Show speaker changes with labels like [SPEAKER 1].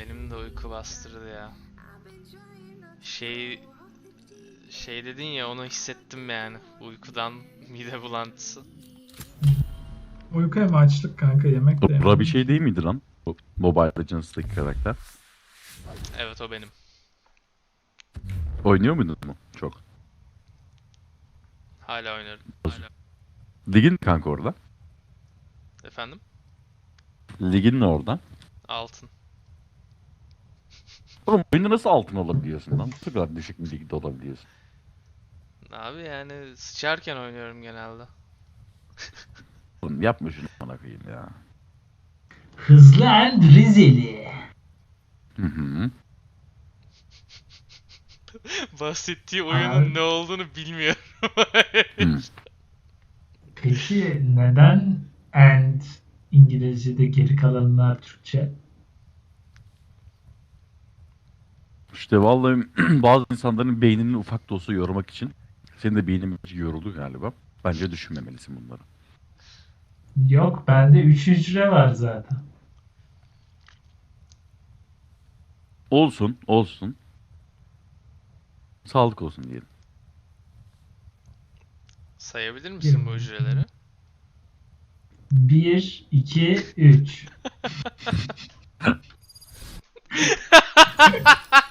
[SPEAKER 1] Benim de uyku bastırdı ya. Şey dedin ya, onu hissettim yani. Uykudan mide bulantısı.
[SPEAKER 2] Uyku hem açlık kanka, yemek de
[SPEAKER 3] Dora bir
[SPEAKER 2] yemedim
[SPEAKER 3] şey
[SPEAKER 2] ki.
[SPEAKER 3] değil miydi lan? Bu Mobile Legends'daki karakter.
[SPEAKER 1] Evet, o benim.
[SPEAKER 3] Oynuyor muydun mu? Çok.
[SPEAKER 1] Hala oynarım. Hala.
[SPEAKER 3] Ligin kanka orada.
[SPEAKER 1] Efendim?
[SPEAKER 3] Ligin ne orada?
[SPEAKER 1] Altın.
[SPEAKER 3] Oğlum oyunda nasıl altın olabiliyorsun lan? Bu kadar düşük bir ligde olabiliyorsun.
[SPEAKER 1] Abi yani sıçarken oynuyorum genelde.
[SPEAKER 3] Oğlum yapma şunu bana koyayım ya.
[SPEAKER 2] Hızlı and Rizeli.
[SPEAKER 3] Hı hı.
[SPEAKER 1] Bahsettiği oyunun
[SPEAKER 2] Abi,
[SPEAKER 1] ne olduğunu bilmiyorum.
[SPEAKER 3] Hı.
[SPEAKER 2] peki neden and İngilizce'de, geri kalanlar Türkçe?
[SPEAKER 3] İşte vallahi bazı insanların beynini ufak da olsa yormak için senin de beynin yoruldu galiba. Bence düşünmemelisin bunları.
[SPEAKER 2] Yok, bende 3 hücre var zaten.
[SPEAKER 3] Olsun, olsun. Sağlık olsun diyelim.
[SPEAKER 1] Sayabilir misin bu hücreleri?
[SPEAKER 2] 1, 2, 3.